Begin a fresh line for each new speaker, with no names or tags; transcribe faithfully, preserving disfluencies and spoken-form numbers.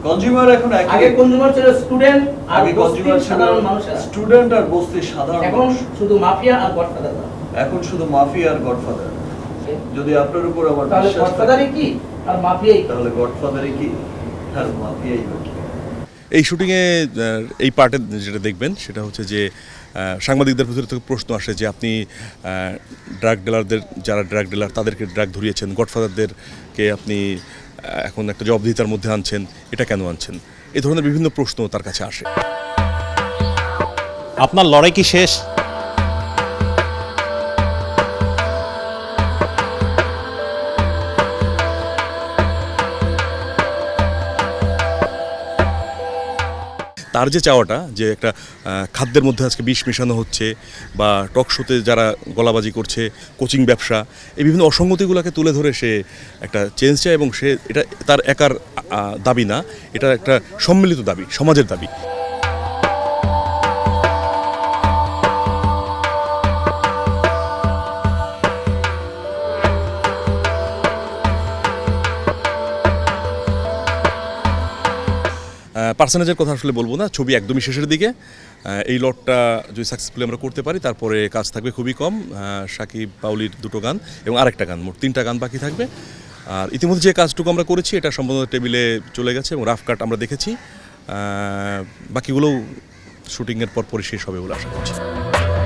Consumer এখন
আগে consumer ছিল স্টুডেন্ট আর
আগে কনজিউমার ছিল
সাধারণ মানুষ,
স্টুডেন্ট আর বস্তির সাধারণ
এখন
মানুষ।
শুধু মাফিয়া আর গডফাদার।
এখন শুধু মাফিয়া আর গডফাদার। যদি আপনার উপর আমার
তাহলে
বিশ্বাস থাকে,
গডফাদারই কি আর মাফিয়াই কি?
তাহলে গডফাদারই কি আর মাফিয়াই বা কি?
এই শুটিংয়ে এই পার্টে যেটা দেখবেন সেটা হচ্ছে যে সাংবাদিকদের ভিতরে থেকে প্রশ্ন আসে যে আপনি ড্রাগ ডিলারদের, যারা ড্রাগ ডিলার তাদেরকে ড্রাগ ধরিয়েছেন, গডফাদারদেরকে আপনি এখন একটা জবাবদিহিতার মধ্যে আনছেন, এটা কেন আনছেন? এই ধরনের বিভিন্ন প্রশ্ন তার কাছে আসে।
আপনার লড়াই কি শেষ?
তার যে চাওয়াটা যে একটা খাদ্যের মধ্যে আজকে বিষ মেশানো হচ্ছে, বা টক শোতে যারা গলাবাজি করছে, কোচিং ব্যবসা, এই বিভিন্ন অসঙ্গতিগুলোকে তুলে ধরে সে একটা চেঞ্জ চায়, এবং সে এটা তার একার দাবি না, এটা একটা সম্মিলিত দাবি, সমাজের দাবি। পার্সোনাজের কথা আসলে বলবো না, ছবি একদমই শেষের দিকে। এই লটটা যদি সাকসেসফুলি আমরা করতে পারি তারপরে কাজ থাকবে খুবই কম। সাকিব পাউলির দুটো গান এবং আরেকটা গান, মোট তিনটা গান বাকি থাকবে। আর ইতিমধ্যে যে কাজটুকু আমরা করেছি এটা সম্পূর্ণ টেবিলে চলে গেছে এবং রাফ কাট আমরা দেখেছি। বাকিগুলোও শুটিংয়ের পর পরই শেষ হবে বলে আশা করছি।